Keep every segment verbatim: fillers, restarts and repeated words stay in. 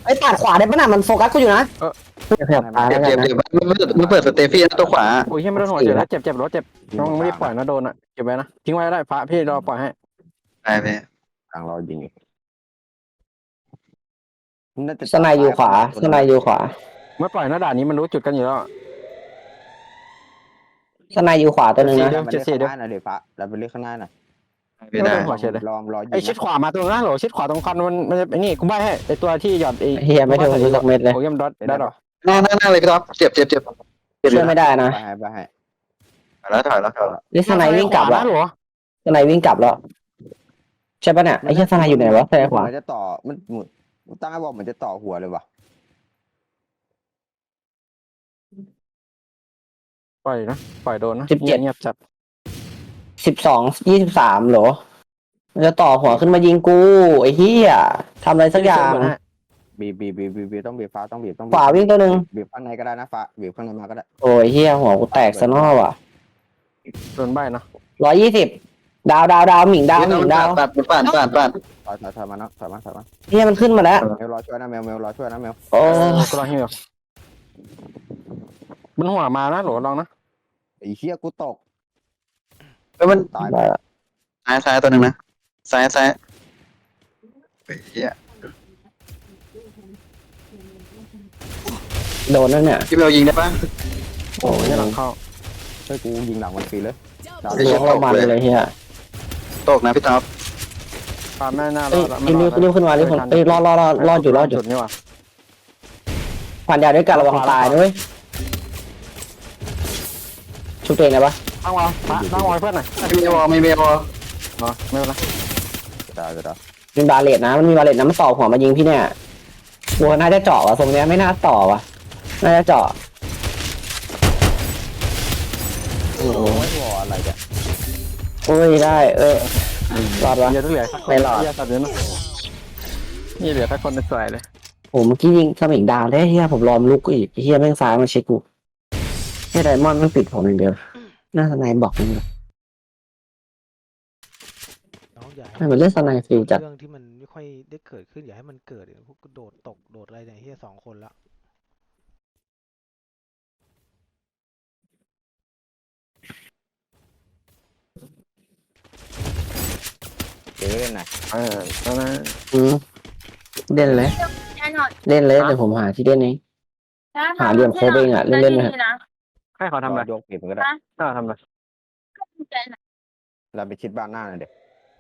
ไอ้ตัดขวาได้ปะน่ะมันโฟกัสกูอยู่นะขยับตาเจ็แล้บวกัเจ็นบนะเจ็บมันมันเปิดสเตฟี่นะตัวขวาโอ้ยเฮียไม่โดนหัวเจ็บแล้วเจ็บเจ็บรถเจ็บน้องไม่ได้ปล่อยนะโดนอ่ะเก็บไว้นะทิ้งไว้ได้พระพี่รอปล่อยให้ได้ไปทางรอยิงสไนอยู่ขวาสไนอยู่ขวาไม่ปล่อยนะด่านนี้มันรู้จุดกันอยู่แล้วสไนอยู่ขวาตัวนึงนะเดี๋ยวเจ็ดสี่เดี๋ยวเดี๋ยวฟ้าเราไปเลือกข้างหน้าหน่อยไม่ได้ลองรอยิงไอชิดขวามาตรงนั้นหรอชิดขวาตรงคันมันมันไอ้นี่กูใบให้ไอตัวที่หยอดไอเฮียไม่โดนกูสักเม็ดเลยโอ้ยมดอทได้หรอหน้าหน้าหน้าเลยพี่ท็อปเจ็บเจ็บเจ็บเจ็บช่วยไม่ได้นะไปให้ไปให้แล้วถอยแล้วถอยแล้วนี่สไนวิ่งกลับแล้วหรอสไนวิ่งกลับแล้วใช่ปะเนี่ยไอ้เหี้ยสไนอยู่ไหนวะสไนขวามันจะต่อมันมันตั้งให้บอกเหมือนจะต่อหัวเลยวะปล่อยนะปล่อยโดนนะเงียบจัดสิบสองยี่สิบสามเหรอมันจะต่อหัวขึ้นมายิงกูไอ้เหี้ยทำอะไรสักอย่างบีบีบีบีบีต้องบีฟ้าต้องบีต้องขวาวิ่งตัวหนึ่งบีข้างในก็ได้นะฟ้าบีข้างในมาก็ได้โอ้ยเหี้ยหัวกูแตกซะนอว่ะโดนใบนะร้อยยี่สิบดาวดาวดาวหมิงดาวหมิงดาวปาดปาดปาดปาดถอยถอยถอยมานะถอยมาถอยมาเหี้ยมันขึ้นมาแล้วเมลรอช่วยนะเมลเมลรอช่วยนะเมลโอ้กูรอให้เมลบนหัวมานะหรอลองนะไอ้เหี้ยกูตกแล้วมันตายได้ละซ้ายซ้ายตัวหนึ่งนะซ้ายซ้ายเฮียโดนนั่นเนี่ยพี่เบลยิงได้ปะโอ้ยหลังเข้าเฮ้ยกูยิงหลังมันฟรีเลยล้วงเรามันเลยเฮียตกนะพี่ท็อปปาแม่หน้ารเอ้ยอดรีบรีบรีบขึ้นมารีบขึ้นเอ้ยรอดรอดรอดรอดอยู่รอดอยู่จุดนี่ว่ะผ่านยาด้วยกันระวังตายด้วยชุบตัวเองได้ปะตั้งวอลตั้งวอลเพื่อนหน่อยไม่มีวอไม่มีวออ๋อไม่เป็นไรจะได้จะได้เป็นบาเลตนะมันมีบาเลตนะมันต่อหัวมายิงพี่เนี่ยบัวน่าจะเจาะว่ะทรงเนี้ยไม่น่าต่อว่ะน่าจะเจาะโอ้โหโอ้ยวออะไรเนี่ยโอ้ยได้เออรอดวะเยอะทุกเหลือสักคนไม่รอดเยอะสัตว์เยอะนะนี่เหลือแค่คนในสวยเลยโอ้เมื่อกี้ยิงสมิงดาวได้เฮียผมรอมลุกอีกเฮียแม่งซ้ายมาเช็คกูเฮียไดมอนด์มันปิดผมอย่างเดียวน่าสไนบอกนี่เลยน้องอย่าให้มันเล่นสไนฟรีจัดเรื่องที่มันไม่ค่อยได้เกิดขึ้นอย่าให้มันเกิดเดี๋ยวพวกกูโดดตกโดดอะไรเนี่ยเฮียสองคนละเดี๋ยวเล่นไหนเออแล้วนะอืมเล่นเลยเล่นเลยเดี๋ยวผมหาที่เล่นเองหาเหลี่ยมโคเบงอ่ะเล่นเล่นๆนะให้เขาทำอะไรยกปีกมันก็ได้ให้เขาทำอะไรเราไปชิดบ้านหน้าหน่อยเด็ก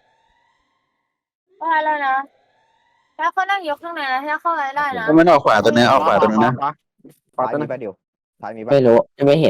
ว่าแล้วนะถ้าเขานั่งยกข้างในนะถ้าเข้าไปได้นะก็มันออกขวาตัวนี้ออกขวาตัวนึงนะขวาขวาซ้ายตัวมีนึงป่ะเดียวซ้ายมีป่ะไม่รู้ยังไม่เห็น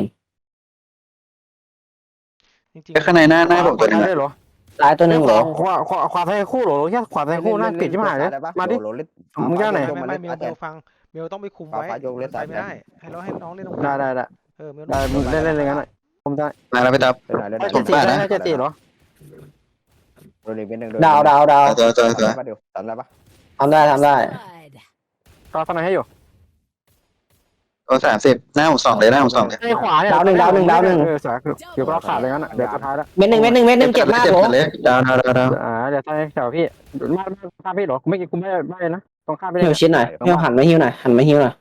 จริงแค่ข้างในหน้าหน้าผมตัวนึงได้นะเหรอซ้ายตัวหนึ่งเหรอขวาขวาขวาไทยคู่เหรอแค่ขวาไทยคู่น่าติดที่หายเลยมาดิโหลเล่นมึงแก้วไหนไม่ไม่เมลเมลฟังเมลต้องไปคุมไว้ฟ้าโยกเล่นไปซ้ายไม่ได้ให้เราให้น้องเล่นตรงได้ได้ได้เออเมลได้เล่นเล่นเลยงั้นผมได้มาแล้วพี่ท็อปเล่นไหนเล่นไหนเจ็ดสี่ได้เจ็ดสี่เหรอโดนอีกเป็นหนึ่งดาวดาวดาวตัวตัวตัวป่ะเดียวทำได้ป่ะทำได้ทำได้ก็ฟันให้อยู่ตัวสามสิบหน้าผมสองเลยหน้าผมสองเลยไอ้ขวาเนี่ยเออสายเดี๋ยวก็ขาดเลยงั้นอ่ะเดี๋ยวสุดท้ายแล้วเม็ดหนึ่งเม็ดหนึ่งเม็ดหนึ่งเจ็บมากเจ็บโหเลยดาวดาวดาวดาวอ่าเดี๋ยวใช่แถวพี่มาข้ามพี่เหรอไม่กินกูไม่ไม่นะต้องข้ามไปเลหิวย ชิ้นหน่อยหิวหันมาหิวหน่อยหันมาหิวหน่อย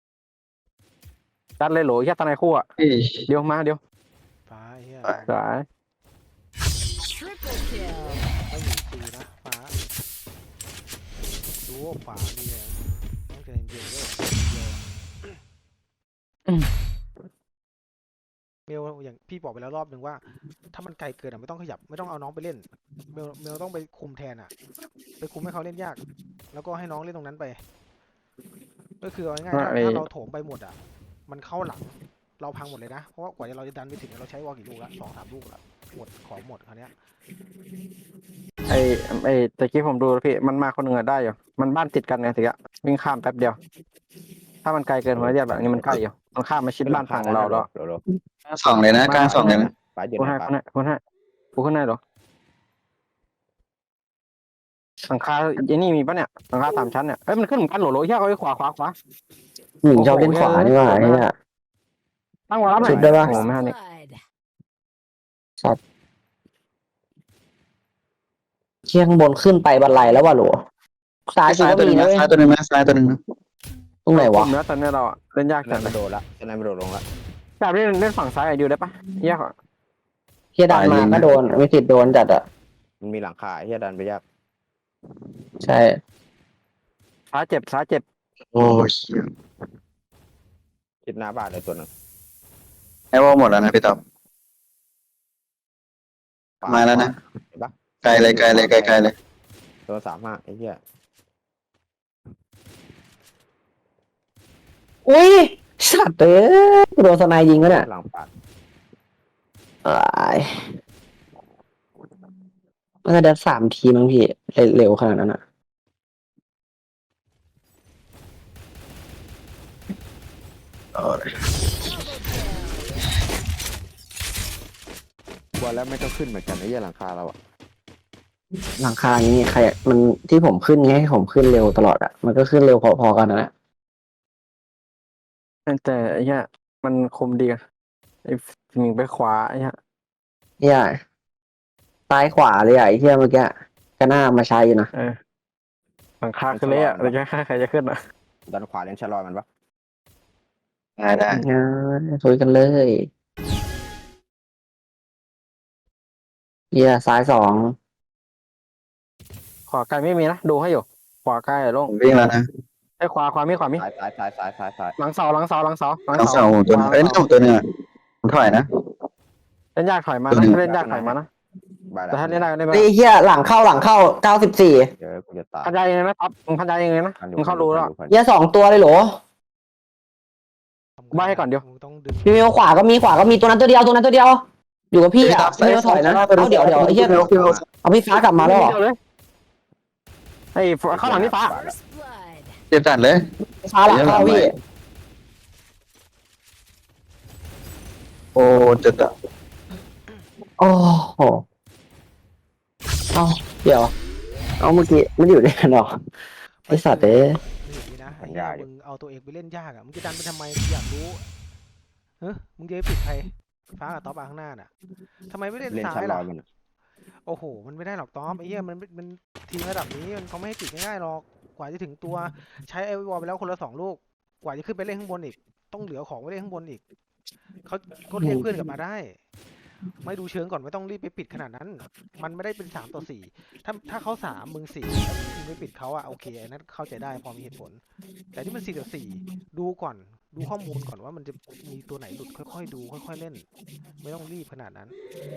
จัดเลยเหรอแค่ตาในคู่อ่ะเดี๋ยวมาเดี๋ยวฟ้าเฮียสายไม่อยู่ฟรีนะฟ้าดูว่าขวานี่ต้องใจเย็นๆด้วยเมลอย่างพี่บอกไปแล้วรอบหนึ่งว่า ถ้ามันไกลเกินอ่ะไม่ต้องขยับไม่ต้องเอาน้องไปเล่นเมลเมลต้องไปคุมแทนอ่ะไปคุมให้เขาเล่นยาก แล้วก็ให้น้องเล่นตรงนั้นไป ก็คือเอาง่ายๆถ้าถ้าเราโถมไปหมดอ่ะ มันเข้าหลัง เราพังหมดเลยนะ เพราะว่ากว่าเราจะดันไปถึงเราใช้วอลกี่ลูกละสองสามลูกละหมดของหมดคราวเนี้ยไอ้ไอ้ตะกี้ผมดูพี่มันมาคนหนึ่งอะได้อยู่มันบ้านติดกันไงสิอะวิ่งข้ามแป๊บเดียว ถ้ามันไกลเกินหัวเรียบแบบนี้มันใกล้อยู่มันข้ามมาชิดบ้านฝั่งเราแล้วสองเลยนะกลางสองเลยนะฟ้าเย็นคุณให้ฟ้าคุณให้คุณให้กูขึ้นให้เหรอหลังคาไอ้นี่มีปะเนี่ยหลังคาสามชั้นเนี่ยเอ้ยมันขึ้นเหมือนกันเหรอโหลเฮียเอาไว้ขวาขวาขวาหมิงชอบเล่นขวานี่ว่าไอ้เนี่ยตั้งวางรับหน่ชุอยดได้ปะโอ้ไม่ทันนี่เชี่ยข้างบนขึ้นไปบันไลแล้วว่ะหลวซ้ายกูซ้ายก็ตัวหมีนึ่งนะนะเว้ยซ้ายตัวหนึ่งนะซ้ายตัวหนึ่งนะตรงไหนวะกลุ่มแล้วตอนนี้เราอะเล่นยากสจันาง ยเลไม่ยโดนละสนายไม่โดนลงละแบบเล่นเล่นฝั่งซ้ายอะอยู่ได้ปะยากอะเฮียดันมาก็โดนไม่ติดโดนจัดอ่ะมันมีหลังคาเฮียดันไปยากใช่ซ้ายเจ็บซ้ายเจ็บโอ้ยคิดหน้าบ้านเลยตัวหนึงไอ้วอลหมดแล้วนะพี่ต๊อบขวมาแล้วนะเห็นปะไกลเลยไกลเลยไกลไกลเลยตัวสามห้าไอ้เหี้ยอุ้ยสัตว์เอ้ยโดนสไนยิงก็เนี่ยหลังปาดอ้ายมันจะเดินสามทีมั้งพี่เร็วขนาดนั้นอ่ะกลัวแล้วไม่ต้องขึ้นเหมือนกันไอ้เหี้ยหลังคาเราอะหลังคานี้ใครมันที่ผมขึ้นไงให้ผมขึ้นเร็วตลอดอ่ะมันก็ขึ้นเร็วพอๆกันนะแต่ไอ้เนี้ยมันคมดีอะไอ้ยิงไปขวาไอ้เนี้ยเฮียซ้ายขวาเลยอ่ะไอ้เฮียเมื่อกี้ก็น่ามาใช้อยู่นะเออหลังคาขึ้นเลยอะเลยแค่ใครจะขึ้นอะดันขวาเล่นชะลอยมันปะได้ได้งั้นคุยกันเลยเฮียซ้ายสองขวาไกลไม่มีนะดูให้อยู่ขวาไกลอะโลผงมวิ่งแล้วนะไอ้ขวาขวามีขวามีซ้ายซ้ายซ้ายซ้ายซ้ายซ้ายหลังเสาหลังเสาหลังเสาหลังทั้งเสาเสาผมตัวหนึงเอ้ยนั่นผมตัวหนึงอะผมถอยนะเล่นยากถอยมาตัวหนึ่นะงเล่นยากถอยมานะบายแต่ถ้าเล่นได้ก็เล่นไปไอ้เฮียหลังเข้าหลังเข้าเก้าสิบสี่เดี๋ยวกูจะตายพันยายังไงนะท็อปมึงพันยายังไงนะมึงเข้ารู้แล้วเฮียสองตัวเลยเหรอทำใบ้ให้ก่อนเดี๋ยวมึงต้องดึงพี่เมลขวาก็มีขวาก็มีตัวนั้นตัวเดียวตัวนั้นตัวเดียว อยู่กับพี่อ่ะพี่เมลถอยนะเอาเดี๋ยวเดี๋ยวไอ้เฮียเอาพี่ฟ้ากลับมาแล้วเหรอเดียวเลยไอ้ข้างหลังนี่ฟ้า First blood. เจ็บจัดเลยฟ้าหลังเข้าพี่โอ้เจ็บจัดโอ้โหเอาเดี๋ยวเอาเมื่อกี้มันอยู่ด้วยกันเหรอไอสัตว์เอ้ยมึงอย่างนี้นะไอ้เหี้ยมึงเอาตัวเองไปเล่นยากอ่ะมึงจะดันไปทำไมอยากรู้เฮ้ยมึงจะไปปิดใครฟ้ากับต๊อปอ่ะข้างหน้าน่ะทำไมไม่เล่นเล่นซ้าชะยลอล่ะยมันอะโอ้โห มันไม่ได้หรอกต๊อปไอ้เหี้ยมันมันทีมระดับนี้มันเขาไม่ให้ปิดง่ายๆหรอกกว่าจะถึงตัวใช้ไอวอลไปแล้วคนละสองลูกกว่าจะขึ้นไปเล่นข้างบนอีกต้องเหลือของไว้เล่นข้างบนอีกเขาก็เรียกเพื่อนกลับมาได้ ไม่ดูเชิงก่อนไม่ต้องรีบไปปิดขนาดนั้น มันไม่ได้เป็นสามต่อสี่ถ้าถ้าเขาสามมึงสี่มึงไปปิดเขาอะโอเคอันนั้นเข้าใจได้พอมีเหตุผล แต่ที่มันสี่ต่อสี่ดูก่อนดูข้อมูลก่อนว่ามันจะมีตัวไหนหลุดค่อยๆดูค่อยๆเล่น ไม่ต้องรีบขนาดนั้น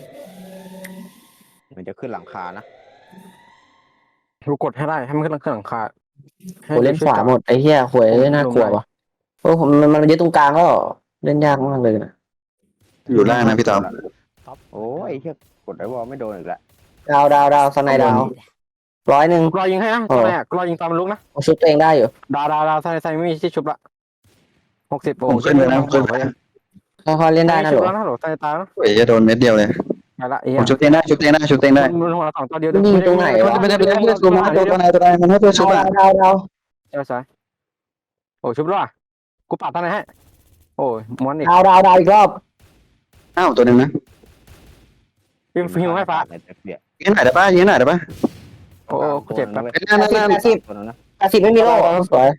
มันจะขึ้นหลังคานะดูกดให้ได้ให้มันขึ้นหลังคากูเล่นขวาหมดไอ้เหี้ยหวยน่ากลัววะโอ้ผมมันมันยึดตรงกลางก็เล่นยากมากเลยนะอยู่ล่างนะพี่ต๊อบโอ้ยไอ้เหี้ยกดไอ้วอลไม่โดนอีกแล้วดาวดาวดาวสไนดาวร้อยหนึ่งกรอยิงให้นะตอนแรกกรอยิงตามมันลุกนะผมชุบตัวเองได้อยู่ดาวดาวดาวใส่ใส่ไม่มีที่ชุบละหกสิบผมขึ้นเลยนะผมขึ้นค่อยๆเล่นได้นะหรชุบอแล้วนะหรอใส่ตานะโอ้ยจะโดนเม็ดเดียวเลยไปละไอ้ผมชุบเตียงได้ชุบเตียงได้ชุบเตียงได้มันหัวสองตัวเดียวยิงตรงไหนวะไม่ได้ไม่ได้ไม่ได้ตัวมันตัวตัวไหนตัวไหนมันให้ตัวชุบดาอะวดาวดาวใช่ใช่โอ้ชุบแล้วอ่ะกูปัดท่านไหนให้โอ้ยม้วนอีกดาวดาวดาวอีกรอบอ้าวตัวหนึ่งนะยิงฟิวให้ฟ้าในตะเกียบยิงไหนได้ป่ะยิงไหนได้ป่ะโอ้กูเจ็บแป๊บไอ้นั่นนั่นนั่นตัวนั้นนะแปดสิบไม่มีโล่สวย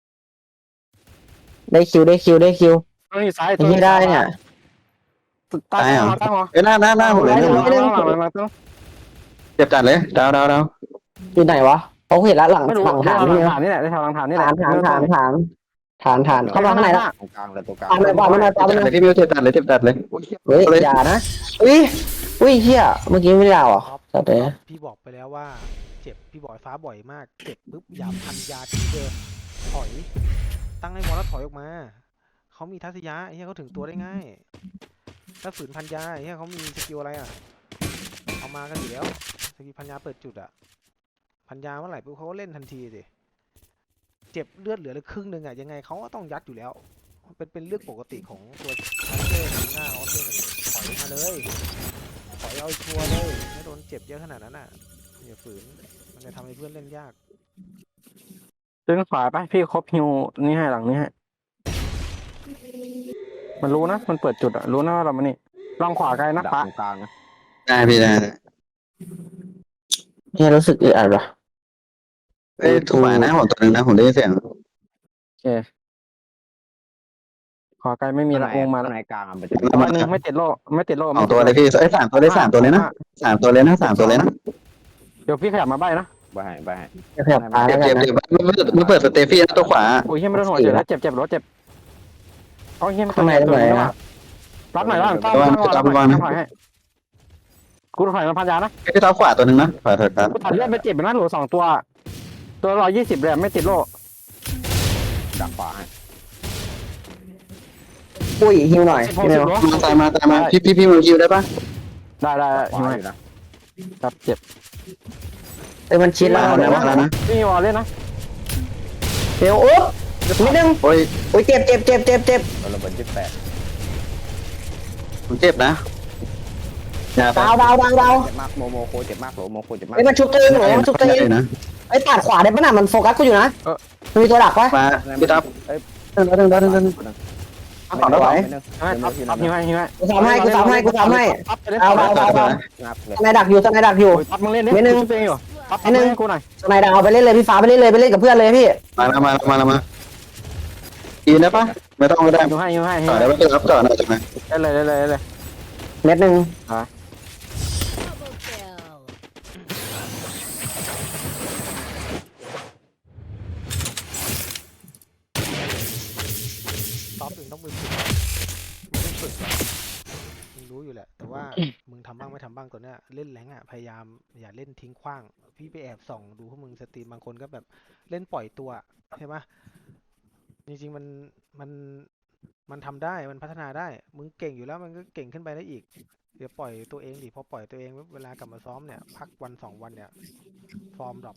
ได้คิวได้คิวได้คิวต้องอยู่ซ้ายไอ้ที่ได้เนี่ยตั้งหัวตั้งหัวไอ้หน้าหน้าหน้าผมเลยหลังหลังหลังหลังต้องเจ็บจัดเลยดาวดาวดาวอยู่ไหนวะเขาเห็นแล้วหลังไม่รู้หลังหลัฐานงนี่ฐานนี่แหละในแถวหลังฐานนี่แหละฐานฐานฐานฐานฐานฐานเข้ามาข้างในละตรงกลางเลยตรงกลางฐานเลยบอลมันมาบอลมันเลมายพี่มิวเจ็บจัดเลยเจ็บจัดเลยเฮ้ยอย่านะอุ้ยอุ้ยเฮียเมื่อกี้ไม่ได้ดาวอ่ะสัตว์เลยพี่บอกไปแล้วว่าเจ็บพี่บอกไอ้ฟ้าบ่อยมาก เจ็บปุ๊บอย่าพันยาที่เดิมถอย ตั้งให้วอลแล้วถอยออกมาเขามีทัศยะไอ้เหี้ยเขาถึงตัวได้ง่าย ถ้าฝืนพันยาไอ้เหี้ยเขามีสกิลอะไรอ่ะเอามากันอยู่แล้วสกิลพันยาเปิดจุดอ่ะพันยาเมื่อไหร่ปุ๊บเขาก็เล่นทันทีสิเจ็บเลือดเหลือเลยครึ่งหนึ่งอ่ะยังไงเขาก็ต้องยัดอยู่แล้วมันเป็นเป็นเรื่องปกติของตัวคาร์เตอร์หน้าเขาเต้นถอยมาเลยถอยเอาชัวร์เลยไม่โดนเจ็บเยอะขนาดนั้นอ่ะอย่าฝืนมันจะทำให้เพื่อนเล่นยากดึงขวาไปพี่ครบฮิวนี่ให้หลังนี้ให้มันรู้นะมันเปิดจุดอะรู้นะว่าเรามานี่ลองขวาไกลนะดักฟ้าตรงกลางนะได้พี่ได้เฮียรู้สึกอึดอัดว่ะเอ้ยถูกขวานะผมตัวหนึงนะผมได้ยินเสียงโอเคขอไกลไม่มีละวงมาข้าละงในกลางอะมันจะตัวหนึ่งไม่ติดโลไม่ติดโลสอไม่งติตัวดโเลยพี่เอ้ยสามตัวเลยสามตัวเลยนะสามตัวเลยนะสามตัวเลยนะเดี๋ยวพี่ขยับมาใบนะไปให้ไปให้จะขยับตาเจ็แล้บวกัเจ็นบนะเจ็บไม่เปิดไม่เปิดสเตฟี่นะตัวขวาโอ้ยเฮียไม่โดนหัวเจ็บแล้วเจ็บเจ็บรถเจ็บเอาเฮียไม่ข้างในตรงไหนตัวอะรับหน่อยรับหน่อยตั้งตั้งรอรับหน่อยตั้งหน่อยให้กูถอยมาพันยานะไอ้เท้าขวาตัวหนึ่งนะขวาเถิดครับกูตัดเลือดไปเจ็บไปนะหลูสองตัว ตัวร้อยยี่สิบเลยไม่ติดโลดักขวาให้ปุ้ยฮิวหน่อยสิบหกพี่เมสิบลโลมาตายมาตายมาพี่พี่พี่มือคิวได้ปะได้ได้ได้ขวาใช่ไหมอยู่นะครับเจ็บเอ้ยมันชิดแล้วมาเดี๋แล้ยว วมาแล้วนะพี่วอลเล่นนะเดี๋ยวโอ๊บนิดนึงโอ้ยโอ้ยเจ็บเจ็บเจ็บเจ็บเจ็บเราระเบิดยี่สิบแปดผมเจ็บนะอย่าไปดาวดาวดาวดาวเจ็บมากโมโมโคเจ็บมากโหโมโคเจ็บมากเอ้ยมันชุบตัวเองเหรอมันชุบตัวเองนะไอ้ยตัดขวาได้ปะน่ะมันโฟกัสกูอยู่นะมันมีตัวดักปะมาพี่ทับเดินเดินเดินเดินเดินเอาต่อได้ไหวใช่ไหมทับทับยิงให้ยิงให้กูทำให้กูทำให้กูทำให้ทับไปเลยเอาเอาเอาเอางับเลยสไนดักอยู่สไนดักอยู่โอ้ยทับมึงเล่นดิเว้ยหนึ่งชุบตัวเองอยู่ทับไอ้หนึ่งให้กูหน่อยสไนดักเอาไปเล่นเลยพี่ฟ้าไปเล่นเลยไปเล่นกับเพื่อนเลยพี่มาแล้วมาแล้วมาแล้วมายืนได้ปะไม่ต้องก็ได้ยิงให้ยิงให้ยิงต่อให้ได้ปะพี่ทับต่อหน่อยจังไหมได้เลยได้เลยได้เลยเม็ดหนึ่งต๊อปถึงต้องมือฝึกมึงต้องฝึกก่อนมึงรู้อยู่แหละ แต่ว่า มึงทำบ้างไม่ทำบ้างตัวเนี้ยเล่นแรงอ่ะพยายามอย่าเล่นทิ้งขว้าง พี่ไปแอบส่องดูพวกมึงสตรีมบางคนก็แบบเล่นปล่อยตัวใช่ปะจริงๆมันมันมันทำได้มันพัฒนาได้ มึงเก่งอยู่แล้วมันก็เก่งขึ้นไปได้อีก เดี๋ยวปล่อยตัวเองดิพอปล่อยตัวเองปุ๊บเวลากลับมาซ้อมเนี่ยพักวันสองวันเนี่ยฟอร์มดรอป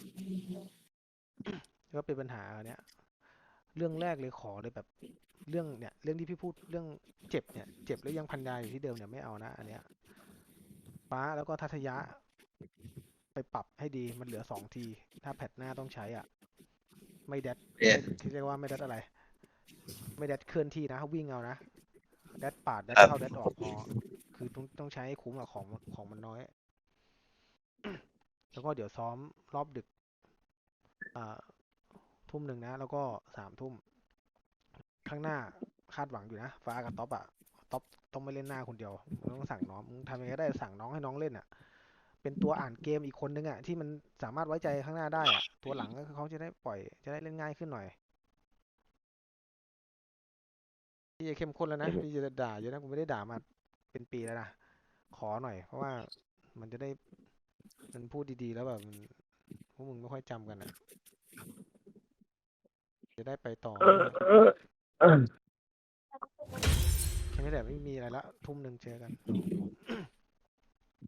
ก็เป็นปัญหาอันเนี้ยเรื่องแรกเลยขอเลยแบบเรื่องเนี่ยเรื่องที่พี่พูดเรื่องเจ็บเนี่ยเจ็บแล้วยังพันยาอยู่ที่เดิมเนี่ยไม่เอานะอันเนี้ยฟ้าแล้วก็ทัศยะ ไปปรับให้ดีมันเหลือสองที ถ้าแพทหน้าต้องใช้อ่ะ ไม่แดดที่เรียกว่าไม่แดดอะไร ไม่แดดเคลื่อนที่นะวิ่งเอานะแดดปาดแดดเข้าแดดออกพอคือต้องต้องใช้ให้คุ้มอะของของมันน้อย แล้วก็เดี๋ยวซ้อมรอบดึกอ่าทุ่มหนึ่งนะ แล้วก็สามทุ่มข้างหน้าคาดหวังอยู่นะฟ้ากับท็อปอะท็อปต้องไม่เล่นหน้าคนเดียวมึงต้องสั่งน้องมึงทำยังไงก็ได้สั่งน้องให้น้องเล่นอะเป็นตัวอ่านเกมอีกคนนึงอะที่มันสามารถไว้ใจข้างหน้าได้อะตัวหลังก็คือเขาจะได้ปล่อยจะได้เล่นง่ายขึ้นหน่อยพี่จะเข้มข้นแล้วนะพี่จะด่าเยอะนะกูไม่ได้ด่ามาเป็นปีแล้วนะขอหน่อย เพราะว่ามันจะได้มันพูดดีๆแล้วแบบมันพวกมึงไม่ค่อยจำกันอะจะได้ไปต่อแค่นี้แหละไม่มีอะไรละทุ่มหนึ่งเจอกัน